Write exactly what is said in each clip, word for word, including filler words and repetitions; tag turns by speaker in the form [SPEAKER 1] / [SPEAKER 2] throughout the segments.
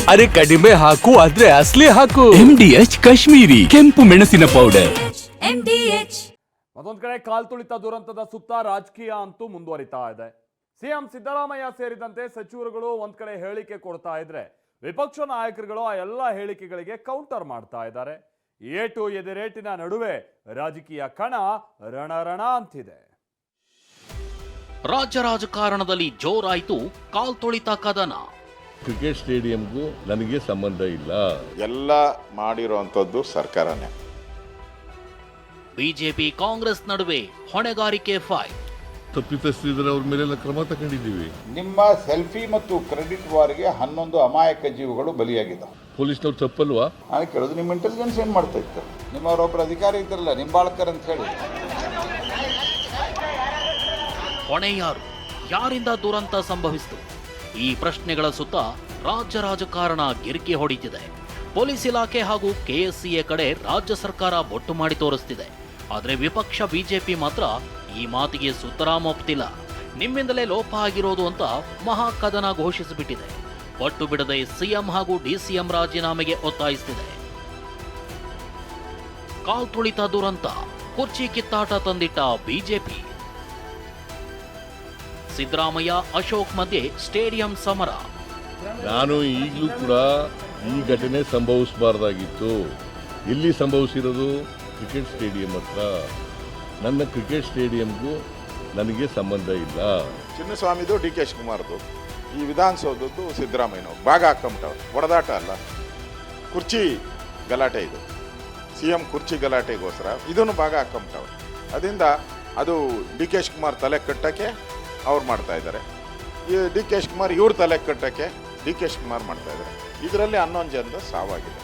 [SPEAKER 1] ಅರೆ ಕಡಿಮೆ ಹಾಕು ಆದ್ರೆ ಅಸ್ಲಿ ಹಾಕು.
[SPEAKER 2] ಎಂಡಿಎಚ್ ಕಾಶ್ಮೀರಿ ಕೆಂಪು ಮೆಣಸಿನ ಪೌಡರ್.
[SPEAKER 3] ಮತ್ತೊಂದ್ ಕಡೆ ಕಾಲ್ ತುಳಿತ ದುರಂತದ ಸುತ್ತ ರಾಜಕೀಯ ಅಂತೂ ಮುಂದುವರಿತಾ ಇದೆ. ಸಿಎಂ ಸಿದ್ದರಾಮಯ್ಯ ಸೇರಿದಂತೆ ಸಚಿವರುಗಳು ಒಂದ್ ಕಡೆ ಹೇಳಿಕೆ ಕೊಡ್ತಾ ಇದ್ರೆ, ವಿಪಕ್ಷ ನಾಯಕರುಗಳು ಆ ಎಲ್ಲ ಹೇಳಿಕೆಗಳಿಗೆ ಕೌಂಟರ್ ಮಾಡ್ತಾ ಇದ್ದಾರೆ. ಏಟು ಎದೆರೇಟಿನ ನಡುವೆ ರಾಜಕೀಯ ಕಣ ರಣರಣ ಅಂತಿದೆ.
[SPEAKER 4] ರಾಜ್ಯ ರಾಜಕಾರಣದಲ್ಲಿ ಜೋರಾಯಿತು ಕಾಲ್ ತುಳಿತ ಕದನ.
[SPEAKER 5] ಕ್ರಿಕೆಟ್ ಸ್ಟೇಡಿಯಂಗೂ ನನಗೆ ಸಂಬಂಧ ಇಲ್ಲ.
[SPEAKER 6] ಎಲ್ಲ ಮಾಡಿರುವಂಥದ್ದು ಸರ್ಕಾರನೇ.
[SPEAKER 4] ಬಿಜೆಪಿ ಕಾಂಗ್ರೆಸ್ ನಡುವೆ ಹೊಣೆಗಾರಿಕೆ ಫೈಟ್.
[SPEAKER 5] ತಪ್ಪಿತಸ್ಥರಿದ್ರೆ ಅವ್ರ ಮೇಲೆಲ್ಲ ಕ್ರಮ ತಗೊಂಡಿದ್ದೀವಿ.
[SPEAKER 7] ನಿಮ್ಮ ಸೆಲ್ಫಿ ಮತ್ತು ಕ್ರೆಡಿಟ್ ವಾರ್ಗೆ ಹನ್ನೊಂದು ಅಮಾಯಕ ಜೀವಗಳು ಬಲಿಯಾಗಿದ್ದಾವೆ.
[SPEAKER 5] ಪೊಲೀಸ್ನವ್ರು ತಪ್ಪಲ್ವಾ?
[SPEAKER 7] ನಾನು ಕೇಳೋದು ನಿಮ್ಮ ಇಂಟೆಲಿಜೆನ್ಸ್ ಏನು ಮಾಡ್ತಾ ಇತ್ತು? ನಿಮ್ಮವರೊಬ್ಬರು ಅಧಿಕಾರಿ ಇದ್ರಲ್ಲ ನಿಂಬಾಳ್ಕರ್ ಅಂತ ಹೇಳಿ.
[SPEAKER 4] ಹೊಣೆ ಯಾರು? ಯಾರಿಂದ ದುರಂತ ಸಂಭವಿಸಿತು? ಈ ಪ್ರಶ್ನೆಗಳ ಸುತ್ತ ರಾಜ್ಯ ರಾಜಕಾರಣ ಗಿರಿಕಿ ಹೊಡಿತಿದೆ. ಪೊಲೀಸ್ ಇಲಾಖೆ ಹಾಗೂ ಕೆಎಸ್ಸಿಎ ಕಡೆ ರಾಜ್ಯ ಸರ್ಕಾರ ಬೊಟ್ಟು ಮಾಡಿ ತೋರಿಸ್ತಿದೆ. ಆದರೆ ವಿಪಕ್ಷ ಬಿಜೆಪಿ ಮಾತ್ರ ಈ ಮಾತಿಗೆ ಸುತರಾಂ ಒಪ್ತಿಲ್ಲ. ನಿಮ್ಮಿಂದಲೇ ಲೋಪ ಆಗಿರೋದು ಅಂತ ಮಹಾ ಕದನ ಘೋಷಿಸಿಬಿಟ್ಟಿದೆ. ಪಟ್ಟು ಬಿಡದೆ ಸಿಎಂ ಹಾಗೂ ಡಿಸಿಎಂ ರಾಜೀನಾಮೆಗೆ ಒತ್ತಾಯಿಸುತ್ತಿದೆ. ಕಾಲ್ ತುಳಿತ ದುರಂತ, ಕುರ್ಚಿ ಕಿತ್ತಾಟ ತಂದಿಟ್ಟ ಬಿಜೆಪಿ. ಸಿದ್ದರಾಮಯ್ಯ ಅಶೋಕ್ ಮಧ್ಯೆ ಸ್ಟೇಡಿಯಂ ಸಮರ.
[SPEAKER 5] ನಾನು ಈಗಲೂ ಕೂಡ ಈ ಘಟನೆ ಸಂಭವಿಸಬಾರ್ದಾಗಿತ್ತು. ಎಲ್ಲಿ ಸಂಭವಿಸಿರೋದು? ಕ್ರಿಕೆಟ್ ಸ್ಟೇಡಿಯಂ ಹತ್ರ. ನನ್ನ ಕ್ರಿಕೆಟ್ ಸ್ಟೇಡಿಯಂಗೂ ನನಗೆ ಸಂಬಂಧ ಇಲ್ಲ.
[SPEAKER 6] ಚಿನ್ನಸ್ವಾಮಿದು ಡಿ ಕೆ ಶಿವಕುಮಾರ್ದು, ಈ ವಿಧಾನಸೌಧದ್ದು ಸಿದ್ದರಾಮಯ್ಯನವ್ರು ಭಾಗ ಹಾಕೊಂಬಿಟ್ಟವ್ರು. ಹೊಡೆದಾಟ ಅಲ್ಲ, ಕುರ್ಚಿ ಗಲಾಟೆ. ಇದು ಸಿ ಎಂ ಕುರ್ಚಿ ಗಲಾಟೆಗೋಸ್ಕರ ಇದನ್ನು ಭಾಗ ಹಾಕೊಂಬಿಟ್ಟವ್ರು. ಅದರಿಂದ ಅದು ಡಿ ಕೆ ಶಿವಕುಮಾರ್ ತಲೆ ಕಟ್ಟಕ್ಕೆ ಅವ್ರು ಮಾಡ್ತಾ ಇದ್ದಾರೆ. ಈ ಡಿ ಕೆ ಶಿವಕುಮಾರ್ ಇವ್ರ ತಲೆ ಕಟ್ಟಕ್ಕೆ ಡಿ ಕೆ ಶಿವಕುಮಾರ್ ಮಾಡ್ತಾ ಇದ್ದಾರೆ. ಇದರಲ್ಲಿ ಹನ್ನೊಂದು ಜನದ ಸಾವಾಗಿದೆ.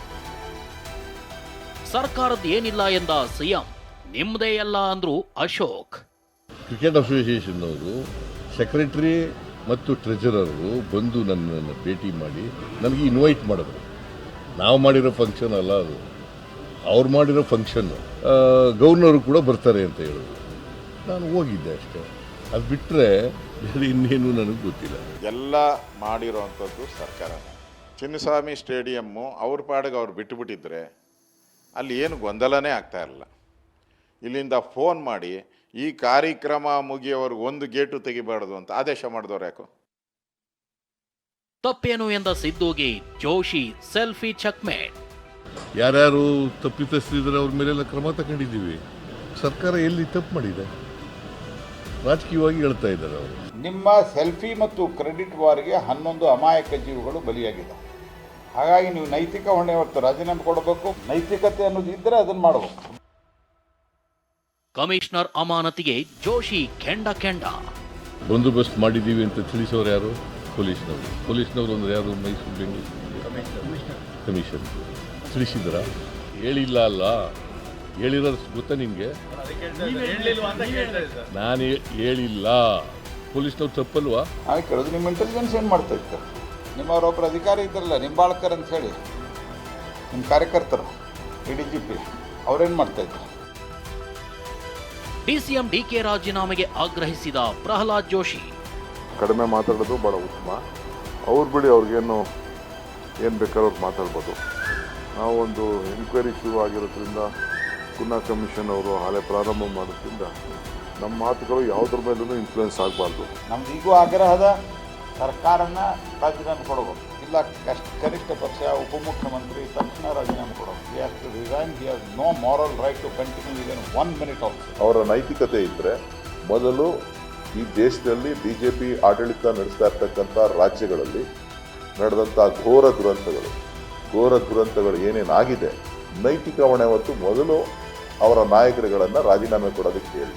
[SPEAKER 4] ಸರ್ಕಾರದ ಏನಿಲ್ಲ ಎಂದ ಸಿಎಂ, ನಿಮ್ಮದೇ ಎಲ್ಲ ಅಂದ್ರು ಅಶೋಕ್.
[SPEAKER 5] ಕ್ರಿಕೆಟ್ ಅಸೋಸಿಯೇಷನ್ನವರು ಸೆಕ್ರೆಟರಿ ಮತ್ತು ಟ್ರೆಜರರು ಬಂದು ನನ್ನನ್ನು ಭೇಟಿ ಮಾಡಿ ನನಗೆ ಇನ್ವೈಟ್ ಮಾಡಿದ್ರು. ನಾವು ಮಾಡಿರೋ ಫಂಕ್ಷನ್ ಅಲ್ಲ ಅದು, ಅವ್ರು ಮಾಡಿರೋ ಫಂಕ್ಷನ್ನು. ಗವರ್ನರು ಕೂಡ ಬರ್ತಾರೆ ಅಂತ ಹೇಳಿದ್ರು. ನಾನು ಹೋಗಿದ್ದೆ ಅಷ್ಟೇ. ಅದು ಬಿಟ್ಟರೆ ಇನ್ನೇನು ನನಗೆ ಗೊತ್ತಿಲ್ಲ.
[SPEAKER 6] ಎಲ್ಲ ಮಾಡಿರೋವಂಥದ್ದು ಸರ್ಕಾರನೇ. ಚಿನ್ನಸ್ವಾಮಿ ಸ್ಟೇಡಿಯಮ್ಮು ಅವ್ರ ಪಾಡಿಗೆ ಅವ್ರು ಬಿಟ್ಟುಬಿಟ್ಟಿದ್ರೆ ಅಲ್ಲಿ ಏನು ಗೊಂದಲನೇ ಆಗ್ತಾ ಇರಲಿಲ್ಲ. ಇಲ್ಲಿಂದ ಫೋನ್ ಮಾಡಿ ಈ ಕಾರ್ಯಕ್ರಮ ಮುಗಿಯೋವರೆಗೂ ಒಂದು ಗೇಟು ತೆಗಿಬಾರ್ದು ಅಂತ ಆದೇಶ ಮಾಡಿದವ್ರು ಯಾಕೋ?
[SPEAKER 4] ತಪ್ಪೇನು ಎಂದ ಸಿದ್ದುಗೆ ಜೋಶಿ ಸೆಲ್ಫಿ ಚೆಕ್ಮೇಟ್.
[SPEAKER 5] ಯಾರ್ಯಾರು ತಪ್ಪಿತಸ್ಥರಿದ್ರೆ ಅವ್ರ ಮೇಲೆಲ್ಲ ಕ್ರಮ ತಗೊಂಡಿದ್ದೀವಿ. ಸರ್ಕಾರ ಎಲ್ಲಿ ತಪ್ಪು ಮಾಡಿದೆ? ರಾಜಕೀಯವಾಗಿ ಹೇಳ್ತಾ ಇದ್ದಾರೆ ಅವರು.
[SPEAKER 7] ನಿಮ್ಮ ಸೆಲ್ಫಿ ಮತ್ತು ಕ್ರೆಡಿಟ್ ವಾರ್ಗೆ ಹನ್ನೊಂದು ಅಮಾಯಕ ಜೀವಗಳು ಬಲಿಯಾಗಿದ್ದಾವೆ. ಹಾಗಾಗಿ ನೀವು ನೈತಿಕ ಹೊಣೆ ಹೊತ್ತು ರಾಜೀನಾಮೆ ಕೊಡಬೇಕು. ನೈತಿಕತೆ ಅನ್ನೋದು ಇದ್ದರೆ ಅದನ್ನು ಮಾಡಬೇಕು.
[SPEAKER 4] ಕಮಿಷನರ್ ಅಮಾನತಿಗೆ ಜೋಶಿ ಕೆಂಡ ಕೆಂಡ.
[SPEAKER 5] ಬಂದೋಬಸ್ತ್ ಮಾಡಿದ್ದೀವಿ ಅಂತ ತಿಳಿಸೋರು ಯಾರು? ಪೊಲೀಸ್ನವರು. ಪೊಲೀಸ್ನವರು ಅಂದ್ರೆ ಯಾರು? ಮೈಸೂರು ಬೆಂಗಳೂರು ಕಮಿಷನ್ ತಿಳಿಸಿದ್ರ? ಹೇಳಿಲ್ಲ ಅಲ್ಲ, ಹೇಳಿರೋದು ಗೊತ್ತಾ ನಿಮಗೆ? ನಾನು ಹೇಳಿಲ್ಲ. ಪೊಲೀಸ್ನವ್ರು ತಪ್ಪಲ್ವಾ?
[SPEAKER 7] ನಾನು ಕೇಳೋದು ನಿಮ್ಮ ಇಂಟೆಲಿಜೆನ್ಸ್ ಏನು ಮಾಡ್ತಾ ಇತ್ತು? ನಿಮ್ಮವರೊಬ್ಬರು ಅಧಿಕಾರಿ ಇದ್ರಲ್ಲ ನಿಂಬಾಳ್ಕರ್ ಅಂತ ಹೇಳಿ, ನಿಮ್ಮ ಕಾರ್ಯಕರ್ತರು ಎ ಡಿ ಜಿ ಪಿ ಅವ್ರೇನು ಮಾಡ್ತಾ ಇದ್ರು?
[SPEAKER 4] ಡಿಸಿಎಂ ಡಿಕೆ ರಾಜೀನಾಮೆಗೆ ಆಗ್ರಹಿಸಿದ ಪ್ರಹ್ಲಾದ್ ಜೋಶಿ.
[SPEAKER 8] ಕಡಿಮೆ ಮಾತಾಡೋದು ಭಾಳ ಉತ್ತಮ. ಅವ್ರು ಬಿಡಿ, ಅವ್ರಿಗೇನು ಏನು ಬೇಕಾದ್ರೂ ಅವ್ರು ಮಾತಾಡ್ಬೋದು. ನಾವು ಒಂದು ಎನ್ಕ್ವೈರಿ ಶುರು ಆಗಿರೋದ್ರಿಂದ, ಪುನಃ ಕಮಿಷನ್ ಅವರು ಹಾಲೆ ಪ್ರಾರಂಭ ಮಾಡೋದ್ರಿಂದ ನಮ್ಮ ಮಾತುಗಳು ಯಾವುದ್ರ ಮೇಲೂ ಇನ್ಫ್ಲೂಯೆನ್ಸ್ ಆಗಬಾರ್ದು.
[SPEAKER 7] ನಮ್ದು ಈಗೂ ಆಗ್ರಹದ ಸರ್ಕಾರನ ರಾಜೀನಾಮೆ ಕೊಡಬೇಕು. ಇಲ್ಲ ಕಷ್ಟ ಕನಿಷ್ಠ ಪಕ್ಷ ಉಪಮುಖ್ಯಮಂತ್ರಿ ತಕ್ಷಣ ರಾಜೀನಾಮೆ ಕೊಡಬೇಕು. He has to resign. He has no moral right to continue even one minute also.
[SPEAKER 8] ಅವರ ನೈತಿಕತೆ ಇದ್ದರೆ ಮೊದಲು ಈ ದೇಶದಲ್ಲಿ ಬಿ ಜೆ ಪಿ ಆಡಳಿತ ನಡೆಸ್ತಾ ಇರ್ತಕ್ಕಂಥ ರಾಜ್ಯಗಳಲ್ಲಿ ನಡೆದಂಥ ಘೋರ ದುರಂತಗಳು ಘೋರ ದುರಂತಗಳು ಏನೇನಾಗಿದೆ, ನೈತಿಕ ಹೊಣೆ ಹೊತ್ತು ಮೊದಲು ಅವರ ನಾಯಕರುಗಳನ್ನು ರಾಜೀನಾಮೆ ಕೊಡೋದಕ್ಕೆ ಹೇಳಿ.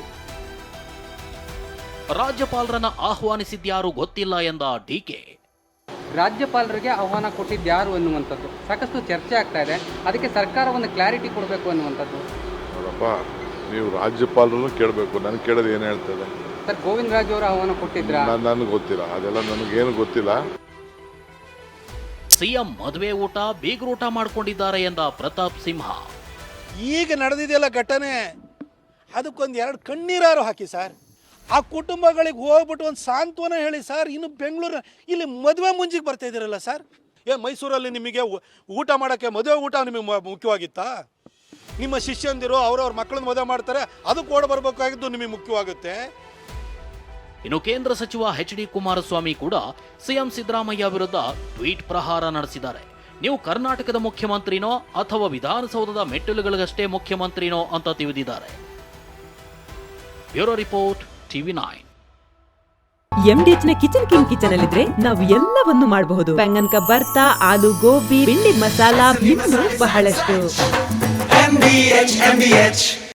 [SPEAKER 4] ರಾಜ್ಯಪಾಲರನ್ನ ಆಹ್ವಾನಿಸಿದ್ಯಾರು ಗೊತ್ತಿಲ್ಲ ಎಂದ ಡಿಕೆ.
[SPEAKER 9] ರಾಜ್ಯಪಾಲರಿಗೆ ಆಹ್ವಾನ ಕೊಟ್ಟಿದ್ಯಾರು ಅನ್ನುವಂಥದ್ದು ಸಾಕಷ್ಟು ಚರ್ಚೆ ಆಗ್ತಾ ಇದೆ. ಅದಕ್ಕೆ ಸರ್ಕಾರ ಒಂದು ಕ್ಲಾರಿಟಿ ಕೊಡಬೇಕು ಅನ್ನುವಂಥದ್ದು.
[SPEAKER 8] ನೋಡಪ್ಪ, ನೀವು ರಾಜ್ಯಪಾಲರನ್ನು ಕೇಳಬೇಕು, ನನಗೆ ಕೇಳೋದು ಏನು ಹೇಳ್ತದೆ?
[SPEAKER 9] ಸರ್, ಗೋವಿಂದ ರಾಜು ಅವರು ಆಹ್ವಾನ ಕೊಟ್ಟಿದ್ರ?
[SPEAKER 8] ನನಗೆ ಗೊತ್ತಿಲ್ಲ, ಅದೆಲ್ಲ ನನಗೇನು ಗೊತ್ತಿಲ್ಲ.
[SPEAKER 4] ಸಿಎಂ ಮದುವೆ ಊಟ ಬೀಗರೂಟ ಮಾಡ್ಕೊಂಡಿದ್ದಾರೆ ಎಂದ ಪ್ರತಾಪ್ ಸಿಂಹ.
[SPEAKER 10] ಈಗ ನಡೆದಿದೆಯಲ್ಲ ಘಟನೆ, ಅದಕ್ಕೊಂದು ಎರಡು ಕಣ್ಣೀರಾರು ಹಾಕಿ ಸರ್. ಆ ಕುಟುಂಬಗಳಿಗೆ ಹೋಗ್ಬಿಟ್ಟು ಒಂದು ಸಾಂತ್ವನ ಹೇಳಿ ಸರ್. ಇನ್ನು ಬೆಂಗಳೂರು ಇಲ್ಲಿ ಮದುವೆ ಮುಂಜಿಗೆ ಬರ್ತಾ ಇದ್ದೀರಲ್ಲ ಸರ್, ಏನು ಮೈಸೂರಲ್ಲಿ ನಿಮಗೆ ಊ- ಊಟ ಮಾಡೋಕ್ಕೆ ಮದುವೆ ಊಟ ನಿಮಗೆ ಮ- ಮುಖ್ಯವಾಗಿತ್ತಾ? ನಿಮ್ಮ ಶಿಷ್ಯಂದಿರು ಅವ್ರವ್ರ ಮಕ್ಕಳನ್ನ ಮದುವೆ ಮಾಡ್ತಾರೆ, ಅದಕ್ಕೆ ಓಡ ಬರಬೇಕಾಗಿದ್ದು ನಿಮಗೆ ಮುಖ್ಯವಾಗುತ್ತೆ.
[SPEAKER 4] ಇನ್ನು ಕೇಂದ್ರ ಸಚಿವ ಎಚ್ ಡಿ ಕುಮಾರಸ್ವಾಮಿ ಕೂಡ ಸಿಎಂ ಸಿದ್ದರಾಮಯ್ಯ ವಿರುದ್ಧ ಟ್ವೀಟ್ ಪ್ರಹಾರ ನಡೆಸಿದ್ದಾರೆ. ನೀವು ಕರ್ನಾಟಕದ ಮುಖ್ಯಮಂತ್ರಿನೋ ಅಥವಾ ವಿಧಾನಸೌಧದ ಮೆಟ್ಟಿಲುಗಳಿಗಷ್ಟೇ ಮುಖ್ಯಮಂತ್ರಿನೋ ಅಂತ ತಿಳಿದಿದ್ದಾರೆ. Bureau report TV nine.
[SPEAKER 11] MDH ನ ಕಿಚನ್ ಕಿಂಗ್ ಕಿಚನ್ ಅಲ್ಲಿದ್ರೆ ನಾವು ಎಲ್ಲವನ್ನು ಮಾಡಬಹುದು. ಬೆಂಗನ್ಕ ಬರ್ತಾ, ಆಲೂ ಗೋಬಿ, ಬೆಂಡಿ ಮಸಾಲಾ, ಇನ್ನೂ ಬಹಳಷ್ಟು.